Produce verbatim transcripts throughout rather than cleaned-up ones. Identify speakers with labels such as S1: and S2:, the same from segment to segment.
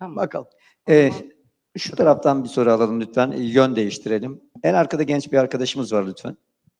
S1: Tamam.
S2: Bakalım.
S3: Ee, şu taraftan bir soru alalım lütfen. Yön değiştirelim. En arkada genç bir arkadaşımız var lütfen.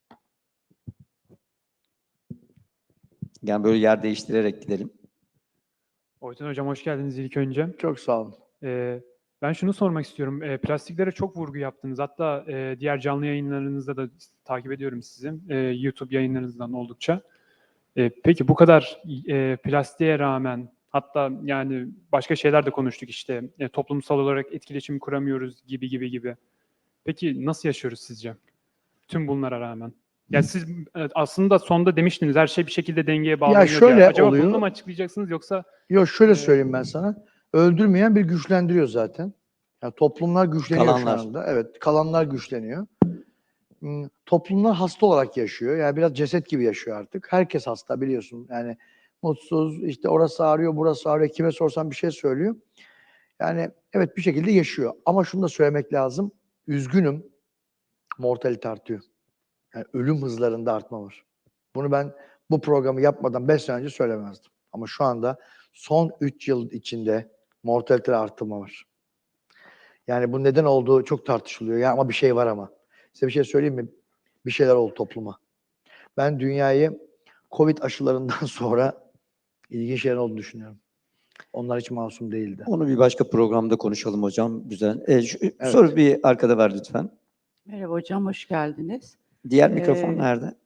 S3: Yani böyle yer değiştirerek gidelim.
S4: Oytun Hocam hoş geldiniz ilk önce.
S2: Çok sağ olun.
S4: Ee, ben şunu sormak istiyorum. Ee, plastiklere çok vurgu yaptınız. Hatta e, diğer canlı yayınlarınızda da takip ediyorum sizi. Ee, YouTube yayınlarınızdan oldukça. Ee, peki bu kadar e, plastiğe rağmen, hatta yani başka şeyler de konuştuk işte. E, toplumsal olarak etkileşim kuramıyoruz gibi gibi gibi. Peki nasıl yaşıyoruz sizce? Tüm bunlara rağmen. Ya siz evet, aslında sonda demiştiniz her şey bir şekilde dengeye bağlanıyor diye.
S2: şöyle
S4: Acaba
S2: oluyor.
S4: bunu mu açıklayacaksınız yoksa?
S2: Yok şöyle
S4: Ee,
S2: söyleyeyim ben sana. Öldürmeyen bir güçlendiriyor zaten. Yani toplumlar güçleniyor
S3: Kalanlar.
S2: şu anda. Evet, kalanlar güçleniyor. Hmm, Toplumlar hasta olarak yaşıyor. Yani biraz ceset gibi yaşıyor artık. Herkes hasta biliyorsun. Yani mutsuz, işte orası ağrıyor, burası ağrıyor. Kime sorsan bir şey söylüyor. Yani evet bir şekilde yaşıyor. Ama şunu da söylemek lazım. Üzgünüm. Mortalite artıyor. Yani ölüm hızlarında artma var. Bunu ben bu programı yapmadan beş sene önce söylemezdim. Ama şu anda son üç yıl içinde mortalite artırma var. Yani bu neden olduğu çok tartışılıyor. Ya ama bir şey var ama. Size bir şey söyleyeyim mi? Bir şeyler oldu topluma. Ben dünyayı Covid aşılarından sonra ilginç şeyler olduğunu düşünüyorum. Onlar hiç masum değildi.
S3: Onu bir başka programda konuşalım hocam. Güzel. Ee, şu,
S2: Evet.
S3: Soru bir arkada ver lütfen.
S1: Merhaba hocam, hoş geldiniz.
S3: Diğer
S1: Ee,
S3: mikrofon nerede?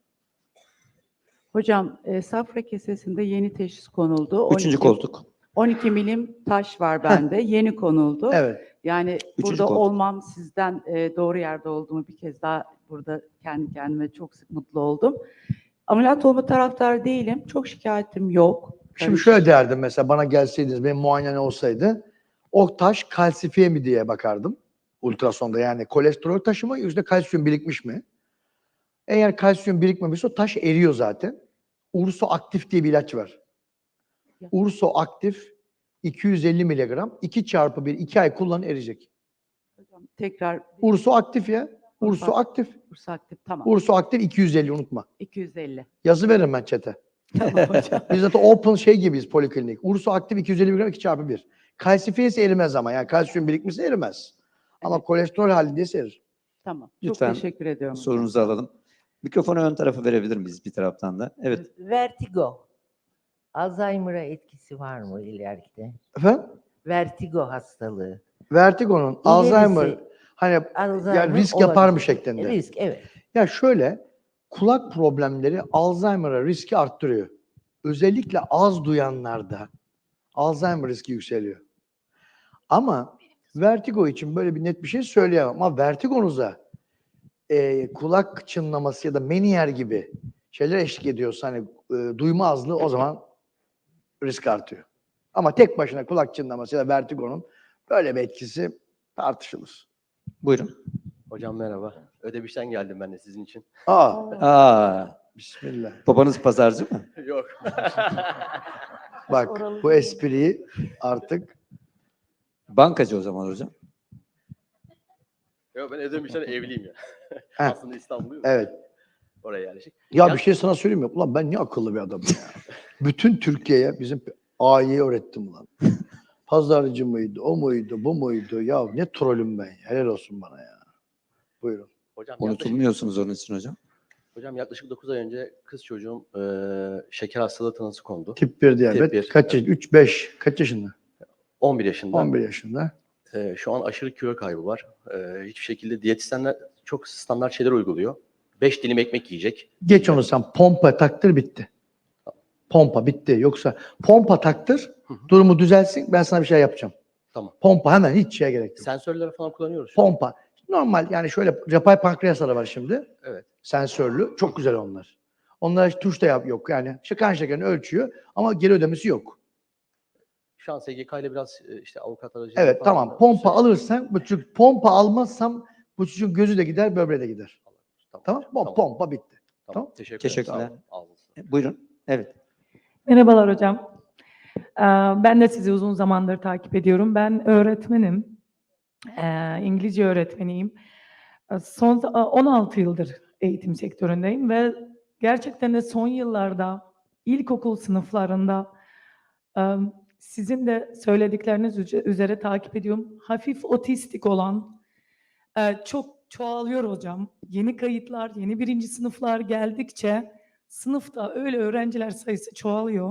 S1: Hocam, e, safra kesesinde yeni teşhis konuldu.
S3: Üçüncü
S1: on iki
S3: koltuk.
S1: on iki milim taş var bende. Yeni konuldu.
S2: Evet.
S1: Yani
S3: Üçüncü
S1: burada
S3: koltuk.
S1: olmam sizden e, doğru yerde olduğumu bir kez daha burada kendi kendime çok sık mutlu oldum. Ameliyat olma taraftarı değilim. Çok şikayetim yok.
S2: Şimdi
S1: Karış-
S2: şöyle derdim mesela bana gelseydiniz benim muayene olsaydı o taş kalsifiye mi diye bakardım ultrasonda yani kolesterol taşı mı yüzde kalsiyum birikmiş mi? Eğer kalsiyum birikmemişse o taş eriyor zaten. Urso aktif diye bir ilaç var. Urso aktif iki yüz elli miligram iki çarpı bir iki ay kullanın eriyecek.
S1: Hocam, tekrar
S2: Urso aktif ya. Urso aktif.
S1: Bursa aktif, tamam.
S2: Urso aktif iki yüz elli unutma.
S1: iki yüz elli.
S2: Yazı veririm ben chat'e.
S1: Tamam hocam.
S2: Biz zaten open şey gibiyiz poliklinik. Urso aktif iki yüz elli miligram iki çarpı bir. Kalsifiye ise erimez ama. Yani kalsiyum birikmişse erimez. Ama
S1: Evet.
S2: kolesterol halindeyse erir.
S1: Tamam.
S3: Lütfen
S1: Çok teşekkür ediyorum. hocam.
S3: Sorunuzu alalım. Mikrofonu ön tarafa verebilir miyiz bir taraftan da? Evet.
S5: Vertigo. Alzheimer'a etkisi var mı ileride?
S2: Efendim?
S5: Vertigo hastalığı.
S2: Vertigo'nun Alzheimer hani
S5: Alzheimer
S2: yani risk yapar mı
S5: olabilir.
S2: şeklinde?
S5: Risk, evet.
S2: Ya şöyle kulak problemleri Alzheimer'a riski arttırıyor. Özellikle az duyanlarda Alzheimer riski yükseliyor. Ama vertigo için böyle bir net bir şey söyleyemem. Ama vertigonuza e, kulak çınlaması ya da Meniere gibi şeyler eşlik ediyorsa hani e, duyma azlığı o zaman risk artıyor. Ama tek başına kulak çınlaması ya da vertigonun böyle bir etkisi tartışılır.
S3: Buyurun.
S6: Hocam merhaba. Ödemiş'ten geldim ben de sizin için.
S2: Aa,
S3: Aa,
S2: bismillah.
S3: babanız pazarcı mı?
S6: Yok.
S2: Bak bu espriyi artık
S3: Bankacı o zaman hocam.
S6: Yok ben Ödemiş'ten evliyim ya.
S2: Heh.
S6: Aslında İstanbulluyum.
S2: evet.
S6: Oraya yerleşik.
S2: Ya
S6: Ya-
S2: bir şey sana söyleyeyim mi? Ulan ben ne akıllı bir adamım ya. Bütün Türkiye'ye bizim A'yı öğrettim ulan. Pazarcı mıydı, o muydu, bu muydu? Ya ne trolüm ben ya. Helal olsun bana ya. Buyurun.
S6: Hocam yaklaşık,
S3: Unutulmuyorsunuz onun için hocam.
S6: hocam yaklaşık dokuz ay önce kız çocuğum e, şeker hastalığı tanısı kondu.
S2: Tip bir diyabet.
S6: Tip bir,
S2: Kaç yaş? üç, beş. Kaç yaşında?
S6: on bir yaşında.
S2: on bir yaşında.
S6: E, şu an aşırı kilo kaybı var. E, hiçbir şekilde diyetisyenler çok standart şeyler uyguluyor. beş dilim ekmek yiyecek.
S2: Geç onu sen. Pompa taktır bitti. Pompa bitti. Yoksa pompa taktır. Durumu düzelsin. Ben sana bir şey yapacağım.
S6: Tamam.
S2: Pompa hemen hiç şeye gerek yok.
S6: Sensörleri falan kullanıyoruz. şu an.
S2: Pompa. Normal yani şöyle yapay pankreasları var şimdi.
S6: Evet.
S2: Sensörlü. Çok güzel onlar. Onlar hiç tuş da yap yok yani. İşte kan şekerini ölçüyor ama geri ödemesi yok.
S6: Şu an S G K ile biraz e, işte avukat aracılığıyla
S2: Evet
S6: falan
S2: tamam.
S6: da-
S2: Pompa alırsan bu çocuk pompa almazsam bu çocuğun gözü de gider, böbreği de gider. Tamam?
S6: hocam,
S2: Pom- Pompa bitti.
S6: Tamam.
S2: Tamam.
S6: Teşekkür
S3: Teşekkürler.
S6: ederim. Sağ olun. Ağzınıza sağlık.
S3: E, Buyurun. Evet.
S7: Merhabalar hocam. Ee, Ben de sizi uzun zamandır takip ediyorum. Ben öğretmenim. Ee, İngilizce öğretmeniyim. Ee, Son on altı yıldır eğitim sektöründeyim ve gerçekten de son yıllarda ilkokul sınıflarında e, sizin de söyledikleriniz üze- üzere takip ediyorum. Hafif otistik olan e, çok çoğalıyor hocam. Yeni kayıtlar, yeni birinci sınıflar geldikçe sınıfta öyle öğrenciler sayısı çoğalıyor.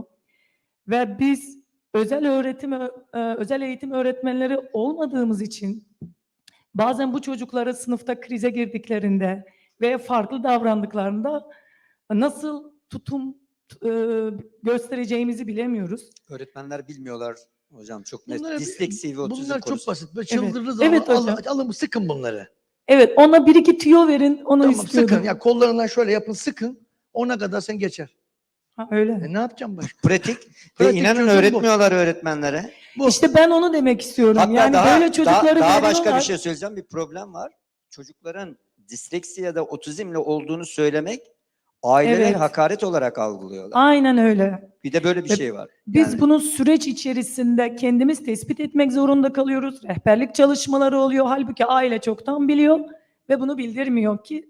S7: Ve biz özel öğretim, ö- e, özel eğitim öğretmenleri olmadığımız için bazen bu çocuklara sınıfta krize girdiklerinde veya farklı davrandıklarında nasıl tutum e, göstereceğimizi bilemiyoruz.
S3: Öğretmenler bilmiyorlar hocam, çok net.
S2: Bunları-
S3: Disleksi ve otizm
S2: Bunlar çok
S3: konusu.
S2: basit. Böyle çıldırırız
S7: Evet
S2: ama
S7: hocam.
S2: alın, alın sıkın bunları.
S7: Evet, ona bir iki tüyo verin, onu
S2: Tamam
S7: istiyordum.
S2: sıkın. Ya kollarından şöyle yapın sıkın. Ona kadar sen geçer.
S7: Ha, öyle.
S2: E ne yapacağım başka?
S3: Pratik ve
S2: Pratik
S3: inanın
S2: çözüm bu.
S3: öğretmiyorlar öğretmenlere.
S2: Bu.
S7: İşte ben onu demek istiyorum.
S3: Hatta
S7: yani
S3: daha,
S7: böyle çocukları
S3: daha, daha başka
S7: veriyorlar.
S3: bir şey söyleyeceğim. Bir problem var. Çocukların disleksi ya da otizmle olduğunu söylemek aileler
S7: Evet.
S3: hakaret olarak algılıyorlar.
S7: Aynen öyle.
S3: Bir de böyle bir
S7: Ve
S3: şey var.
S7: Biz
S2: Yani-
S7: bunu süreç içerisinde kendimiz tespit etmek zorunda kalıyoruz. Rehberlik çalışmaları oluyor. Halbuki aile çoktan biliyor ve bunu bildirmiyor ki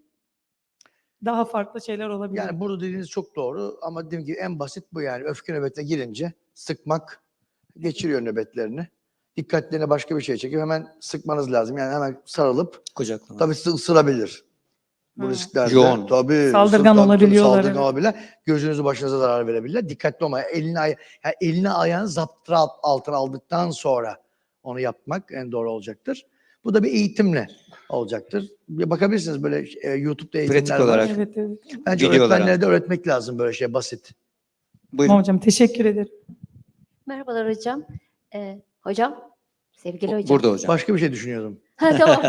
S7: daha farklı şeyler olabilir.
S2: Yani burada dediğiniz çok doğru ama dediğim gibi en basit bu yani. Öfke nöbetine girince sıkmak, geçiriyor nöbetlerini. Dikkatlerini başka bir şeye çekip hemen sıkmanız lazım. Yani hemen sarılıp
S3: Kucaklama.
S2: tabii ısı- ısırabilir. Bu
S7: Ha.
S2: risklerde.
S3: Yoğun.
S2: Tabii.
S7: Saldırgan
S2: ısır- tabii,
S7: olabiliyorlar,
S2: Saldırgan
S7: evet.
S2: olabilirler. Gözünüzü başınıza zarar verebilirler. Dikkatli olmaya. Elini, aya- yani elini ayağını zaptıra altına aldıktan sonra onu yapmak en doğru olacaktır. Bu da bir eğitimle olacaktır. Bir bakabilirsiniz böyle e, YouTube'da eğitimler
S3: Pratik
S2: var.
S3: olarak.
S7: Evet, evet.
S2: Bence
S3: Videolara.
S2: öğretmenlere de öğretmek lazım böyle şey basit.
S3: Buyurun.
S7: Tamam hocam, teşekkür ederim.
S8: Merhabalar hocam. Ee, hocam, sevgili hocam.
S3: Burada hocam.
S2: Başka bir şey düşünüyordum.
S8: Ha, tamam.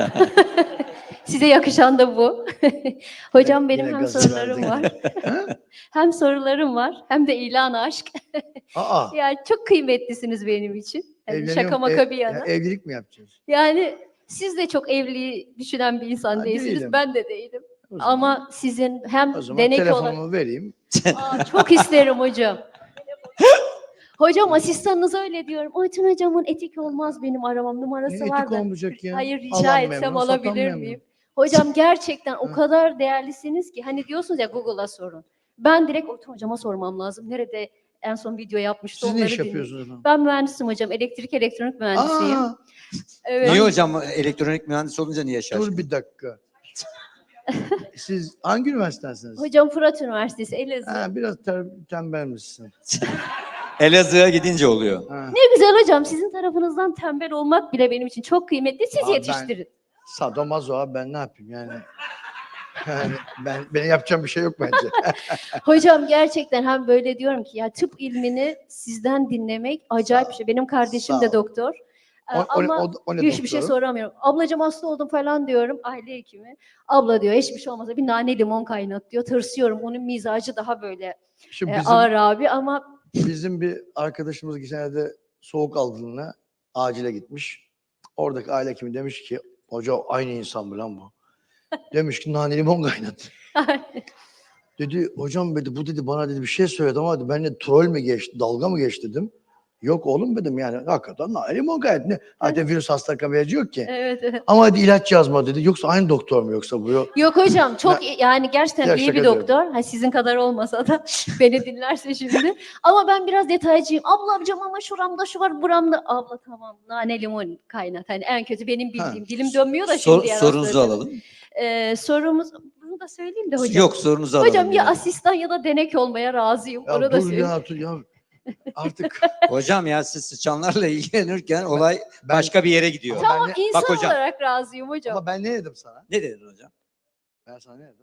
S8: Size yakışan da bu. Hocam
S2: Yine-
S8: benim
S2: yine
S8: hem
S2: gazı
S8: sorularım
S2: verdin.
S8: var. Hem sorularım var hem de ilan aşk.
S2: Aa.
S8: Yani çok kıymetlisiniz benim için. Yani
S2: evleniyor
S8: şaka
S2: mu?
S8: maka
S2: Ev-
S8: bir yana.
S2: ya evlilik mi yapacağız?
S8: Yani siz de çok evliliği düşünen bir insan
S2: Ha,
S8: değilsiniz.
S2: değilim.
S8: Ben de değilim.
S2: O zaman-
S8: Ama sizin hem
S2: o zaman
S8: denek olarak...
S2: telefonumu vereyim.
S8: Aa, çok isterim hocam. Hocam asistanınıza öyle diyorum. Oytun hocamın etik olmaz benim aramam numarası
S2: Ne
S8: var
S2: etik
S8: da.
S2: olmayacak ya.
S8: Hayır rica
S2: Alan
S8: etsem
S2: memnun, satan
S8: alabilir
S2: memnun.
S8: miyim? Hocam gerçekten o
S2: Hı.
S8: kadar değerlisiniz ki hani diyorsunuz ya Google'a sorun. Ben direkt Oytun hocama sormam lazım. Nerede en son video yapmıştı
S2: Siz ne
S8: onları
S2: iş
S8: dinleyeyim.
S2: yapıyorsunuz efendim?
S8: Ben mühendisim hocam. Elektrik elektronik mühendisiyim.
S2: Aa,
S8: Evet.
S3: Niye hocam elektronik mühendis olunca niye şaşırdın?
S2: dur bir dakika. Siz hangi üniversitedensiniz?
S8: Hocam Fırat Üniversitesi Elazığ.
S2: Ha, biraz ter, tembel misin?
S3: Elazığ'a gidince oluyor.
S2: Ha.
S8: Ne güzel hocam. Sizin tarafınızdan tembel olmak bile benim için çok kıymetli. Siz
S2: Aa, ben-
S8: yetiştirin.
S2: Sadomazo abi ben ne yapayım yani? Yani ben benim yapacağım bir şey yok bence.
S8: Hocam gerçekten hem böyle diyorum ki ya tıp ilmini sizden dinlemek acayip bir şey. Benim kardeşim
S2: Sağ
S8: de
S2: ol.
S8: doktor. Ee,
S2: O, o,
S8: Ama
S2: o, o ne
S8: hiçbir şey
S2: doktoru?
S8: soramıyorum. Ablacığım hasta oldum falan diyorum. Aile hekimi. Abla diyor hiçbir şey olmasa bir nane limon kaynat diyor. Tırsıyorum. Onun mizacı daha böyle
S2: Şimdi
S8: e,
S2: bizim,
S8: ağır abi ama
S2: bizim bir arkadaşımız geçen de soğuk algınlığına acile gitmiş. Oradaki aile hekimi demiş ki hoca aynı insan mı lan bu? Demiş ki nane limon kaynat. Dedi hocam dedi bu dedi bana dedi bir şey söyledi ama dedi, ben de troll mü geçti, dalga mı geçti dedim. Yok oğlum dedim yani hakikaten nane limon kaynat. Ne? Zaten virüs hasta kabiyacı yok ki.
S8: evet, evet.
S2: Ama dedi ilaç yazma dedi. Yoksa aynı doktor mu yoksa bu? Yok.
S8: Yok hocam çok iyi- yani gerçekten
S2: Ya
S8: iyi
S2: şaka
S8: bir
S2: ediyorum.
S8: doktor. Ha, sizin kadar olmasa da beni dinlerse şimdi. Ama ben biraz detaycıyım. Ablacığım ama şuramda şu var buramda. Abla tamam nane limon kaynat. Hani en kötü benim bildiğim.
S2: Ha.
S8: Dilim dönmüyor da
S3: Sor-
S8: şimdi diğer
S3: sorunuzu
S8: hastalara.
S3: alalım.
S8: Ee, sorumuz bunu da söyleyeyim de hocam.
S3: Yok sorunuzu alalım.
S8: Hocam ya
S3: yani.
S8: asistan ya da denek olmaya razıyım.
S2: Ya
S8: Onu da
S2: dur
S8: söyleyeyim.
S2: ya dur ya. Artık
S3: Hocam ya siz sıçanlarla ilgilenirken olay
S2: ben-
S3: başka bir yere gidiyor.
S2: Ama
S8: Tamam
S2: ben
S8: insan
S3: Bak hocam.
S8: olarak razıyım hocam.
S2: ama ben ne dedim sana?
S3: Ne dedin hocam?
S2: Ben sana ne dedim?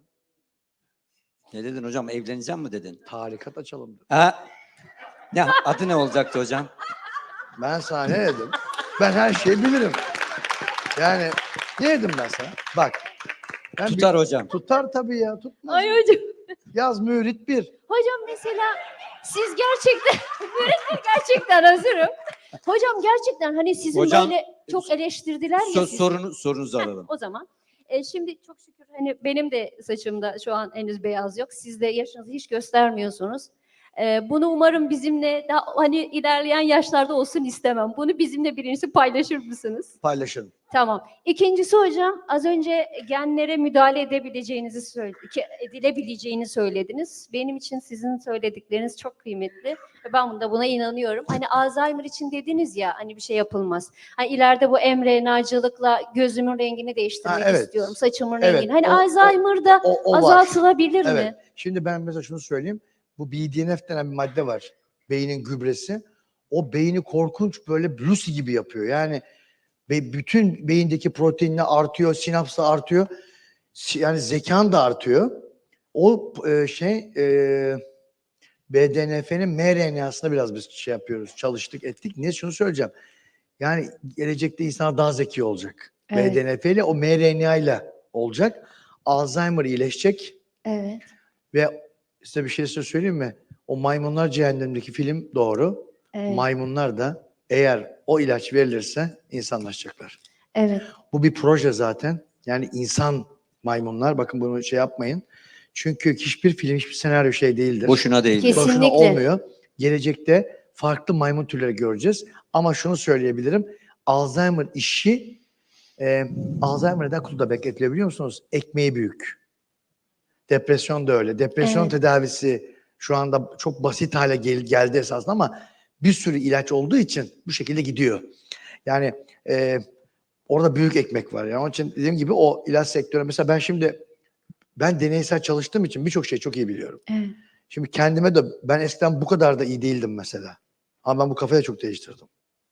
S3: Ne dedin hocam? Evleneceğim mi dedin?
S2: Tarikat açalım dedim.
S3: Ha? Ne adı ne olacaktı hocam?
S2: Ben sana ne dedim? Ben her şeyi bilirim. Yani ne dedim ben sana? Bak. Ben
S3: Tutar
S2: bir-
S3: hocam.
S2: Tutar tabii ya. Tutmaz.
S8: Ay hocam.
S2: Yaz mürit bir.
S8: Hocam mesela siz gerçekten öğretmen gerçekten hazırım. Hocam gerçekten hani sizin
S3: Hocam,
S8: böyle çok eleştirdiler ya
S3: So-
S8: sizi.
S3: sorunu sorunuzu alalım.
S8: O zaman e, şimdi çok şükür hani benim de saçımda şu an henüz beyaz yok. Siz de yaşınızı hiç göstermiyorsunuz. Ee, bunu umarım bizimle daha hani ilerleyen yaşlarda olsun istemem. Bunu bizimle birincisi paylaşır mısınız?
S2: Paylaşın.
S8: Tamam. İkincisi hocam, az önce genlere müdahale edebileceğinizi söyle, ki- edilebileceğini söylediniz. Benim için sizin söyledikleriniz çok kıymetli ve ben bunda buna inanıyorum. Hani Alzheimer için dediniz ya, hani bir şey yapılmaz. Hani ileride bu mRNA'cılıkla gözümün rengini değiştirmek
S2: Ha, evet.
S8: istiyorum, saçımın
S2: Evet,
S8: rengini. Hani
S2: o- o-
S8: Alzheimer'da
S2: O, o var.
S8: azaltılabilir
S2: Evet.
S8: mi?
S2: Şimdi ben mesela şunu söyleyeyim. Bu B D N F denen bir madde var. Beynin gübresi. O beyni korkunç böyle Lucy gibi yapıyor. Yani ve bütün beyindeki proteinle artıyor, sinaps da artıyor. Si- Yani zekan da artıyor. O e, şey e, B D N F'nin mRNA'sına biraz biz şey yapıyoruz, çalıştık, ettik. Niye şunu söyleyeceğim. Yani gelecekte insanlar daha zeki olacak.
S8: Evet.
S2: B D N F ile o mRNA ile olacak. Alzheimer iyileşecek.
S8: Evet.
S2: Ve size bir şey size söyleyeyim mi? O Maymunlar Cehennem'deki film doğru.
S8: Evet.
S2: Maymunlar da eğer o ilaç verilirse insanlaşacaklar.
S8: Evet.
S2: Bu bir proje zaten. Yani insan maymunlar. Bakın bunu şey yapmayın. Çünkü hiçbir film, hiçbir senaryo şey değildir.
S3: Boşuna değil.
S8: Kesin.
S2: Boşuna
S8: Kesinlikle.
S2: olmuyor. Gelecekte farklı maymun türleri göreceğiz. Ama şunu söyleyebilirim. Alzheimer işi e, Alzheimer neden kutuda bekletiliyor biliyor musunuz? Ekmeği büyük. Depresyon da öyle. Depresyon
S8: Evet.
S2: tedavisi şu anda çok basit hale gel- geldi esasında ama bir sürü ilaç olduğu için bu şekilde gidiyor. Yani e, orada büyük ekmek var. Yani onun için dediğim gibi o ilaç sektörü mesela ben şimdi ben deneysel çalıştığım için birçok şeyi çok iyi biliyorum.
S8: Evet.
S2: Şimdi kendime de ben eskiden bu kadar da iyi değildim mesela. Ama ben bu kafayı da çok değiştirdim.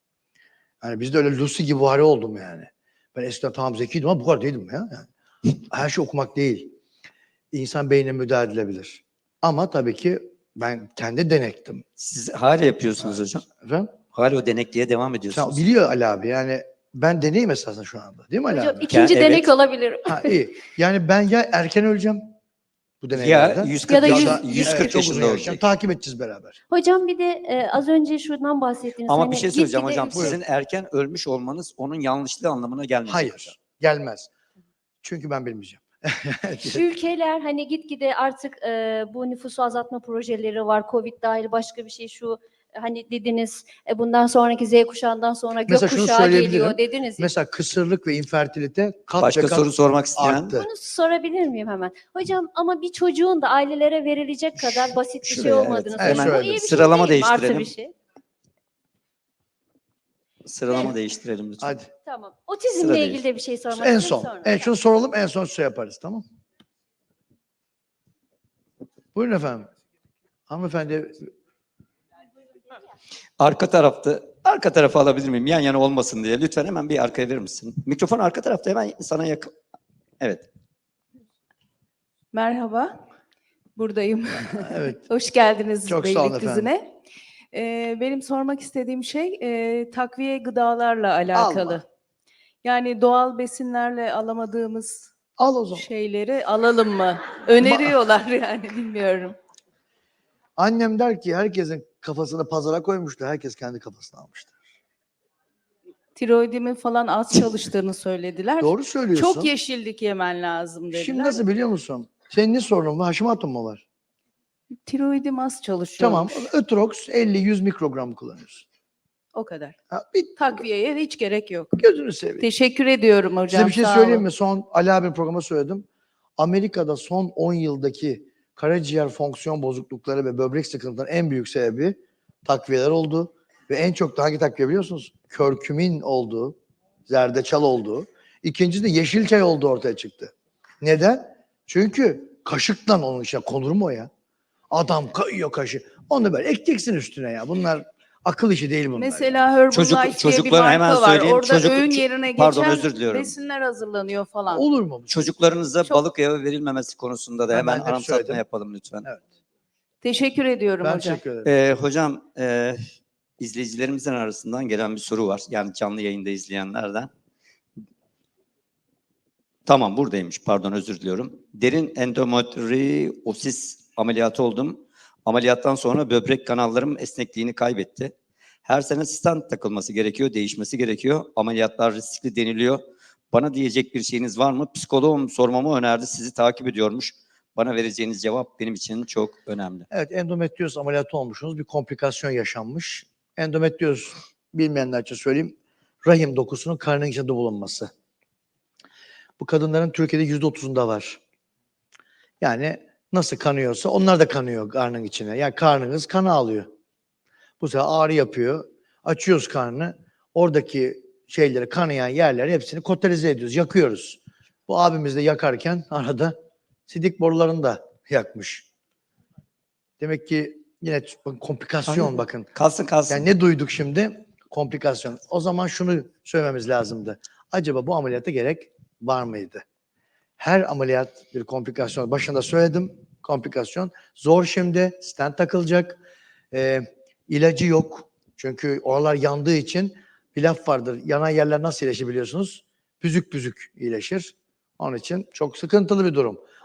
S2: Yani bizde öyle Lucy gibi vari oldum yani. Ben eskiden tamam zekiydim ama bu kadar değildim ya. Yani. Her şey okumak değil. İnsan beynine müdahale edilebilir. Ama tabii ki ben kendi denektim.
S3: Siz hala yapıyorsunuz hocam.
S2: Efendim?
S3: Hala o denekliğe devam
S2: Sen
S3: ediyorsunuz.
S2: biliyor Ali abi yani ben deneyim esasında şu anda. Değil mi Ali
S8: Hocam
S2: abi?
S8: ikinci
S3: Yani
S8: denek
S3: evet.
S8: olabilir.
S2: Ha iyi. Yani ben ya erken öleceğim bu
S3: Ya
S2: deneylerden.
S3: yüz
S8: Ya
S3: kırk
S8: da
S3: yaş-
S8: yüz-
S3: yüz kırk
S2: evet, çok uzun
S3: yaşında
S2: yaşayacağım.
S3: olacak.
S2: Takip edeceğiz beraber.
S8: Hocam bir de e, az önce şuradan bahsettiniz.
S3: Ama
S8: hani
S3: bir şey söyleyeceğim
S8: gitgide
S3: hocam.
S8: yüksek-
S3: Sizin erken ölmüş olmanız onun yanlışlığı anlamına gelmeyecek hocam.
S2: Hayır. Gelmez. Çünkü ben bilmeyeceğim.
S8: Ülkeler hani gitgide artık e, bu nüfusu azaltma projeleri var. Covid dahil başka bir şey şu hani dediniz e, bundan sonraki Z kuşağından sonra gök
S2: Mesela şunu
S8: kuşağı
S2: söyleyebilirim.
S8: geliyor dediniz. ya.
S2: Mesela kısırlık ve infertilite kat
S3: Başka
S2: ve kat
S3: soru sormak isteyen?
S2: arttı.
S8: Bunu sorabilir miyim hemen? Hocam ama bir çocuğun da ailelere verilecek kadar basit bir şey
S3: şuraya, evet.
S8: olmadığını
S2: Evet,
S8: söylüyor. Bu
S2: söyledim.
S8: iyi bir şey
S3: Sıralama
S8: değil mi? Artı
S3: değiştirelim.
S8: bir şey.
S3: Sıralama
S8: Evet.
S3: değiştirelim lütfen.
S2: Hadi.
S8: Tamam.
S3: Sıra
S8: Otizmle
S3: değil.
S8: ilgili de bir şey sormak
S2: En
S8: istiyorum
S2: son.
S8: sonra.
S2: En şunu soralım, en son şey yaparız, tamam? Buyurun efendim. Hanımefendi,
S3: Arka tarafta, arka tarafa alabilir miyim? Yan yana olmasın diye. Lütfen hemen bir arkaya verir misin? Mikrofon arka tarafta hemen sana yakın. Evet.
S9: Merhaba, buradayım.
S2: evet.
S9: Hoş geldiniz
S2: Çok sağ olun
S9: Beylikdüzü'ne. Ee, benim sormak istediğim şey e, takviye gıdalarla alakalı.
S2: Alma.
S9: Yani doğal besinlerle alamadığımız
S2: Al o zaman.
S9: şeyleri alalım mı? Öneriyorlar yani bilmiyorum.
S2: Annem der ki herkesin kafasını pazara koymuştu, herkes kendi kafasına almıştı.
S9: Tiroidimin falan az çalıştığını söylediler.
S2: Doğru söylüyorsun.
S9: Çok yeşillik yemen lazım dediler.
S2: Şimdi nasıl biliyor musun? Senin ne sorunun var? Haşimatın mı var?
S9: Tiroidim az çalışıyor.
S2: Tamam. Ötrox elli yüz mikrogram kullanıyorsun.
S9: O kadar.
S2: Ha, bir
S9: Takviyeye hiç gerek yok.
S2: gözünü seveyim.
S9: Teşekkür ediyorum hocam.
S2: Size bir şey
S9: sağ
S2: söyleyeyim
S9: olun.
S2: mi? Son Ali abi programı söyledim. Amerika'da son on yıldaki karaciğer fonksiyon bozuklukları ve böbrek sıkıntılarının en büyük sebebi takviyeler oldu. Ve en çok da hangi takviye biliyorsunuz? Körkümin olduğu, zerdeçal olduğu. İkincisi de yeşil çay olduğu ortaya çıktı. Neden? Çünkü kaşıkla onun içine konur mu o ya? Adam kayıyor kaşı. Onu böyle ekeceksin üstüne ya. Bunlar akıl işi değil bunlar.
S9: Mesela Herbalife
S3: Çocuk-
S9: diye bir
S3: çocuklara
S9: marka
S3: hemen
S9: var.
S3: söyleyeyim.
S9: Orada
S3: Çocuk-
S9: öğün
S3: ço-
S9: yerine
S3: pardon,
S9: geçen
S3: özür diliyorum.
S9: besinler hazırlanıyor falan.
S2: Olur mu?
S3: Çocuklarınıza
S9: Çok-
S3: balık yağı verilmemesi konusunda da
S2: Ha,
S3: hemen
S2: ben hep
S3: anımsatma
S2: söyledim.
S3: yapalım lütfen.
S2: Evet.
S9: Teşekkür ediyorum
S2: Ben
S9: hocam.
S2: teşekkür ederim.
S3: Ee, hocam, e, izleyicilerimizin arasından gelen bir soru var. Yani canlı yayında izleyenlerden. Tamam, buradaymış. Pardon, özür diliyorum. Derin endometriosis ameliyatı oldum. Ameliyattan sonra böbrek kanallarım esnekliğini kaybetti. Her sene stent takılması gerekiyor, değişmesi gerekiyor. Ameliyatlar riskli deniliyor. Bana diyecek bir şeyiniz var mı? Psikoloğum sormamı önerdi. Sizi takip ediyormuş. bana vereceğiniz cevap benim için çok önemli.
S2: Evet, endometrioz ameliyatı olmuşsunuz. Bir komplikasyon yaşanmış. Endometrioz, bilmeyenler için söyleyeyim, rahim dokusunun karnın içinde bulunması. Bu kadınların Türkiye'de yüzde otuzunda var. Yani nasıl kanıyorsa onlar da kanıyor karnın içine. Yani karnınız kan alıyor. Bu sefer ağrı yapıyor. Açıyoruz karnını. Oradaki şeyleri, kanayan yerleri hepsini koterize ediyoruz, yakıyoruz. Bu abimiz de yakarken arada sidik borularını da yakmış. Demek ki yine bakın komplikasyon
S3: Aynen.
S2: bakın.
S3: Kalsın kalsın.
S2: Yani ne duyduk şimdi? Komplikasyon. O zaman şunu söylememiz lazımdı. Acaba bu ameliyata gerek var mıydı? Her ameliyat bir komplikasyon. Başında söyledim. Komplikasyon. Zor şimdi. Stent takılacak. Ee, ilacı yok. Çünkü oralar yandığı için bir laf vardır. Yanan yerler nasıl iyileşir biliyorsunuz? Büzük büzük iyileşir. Onun için çok sıkıntılı bir durum.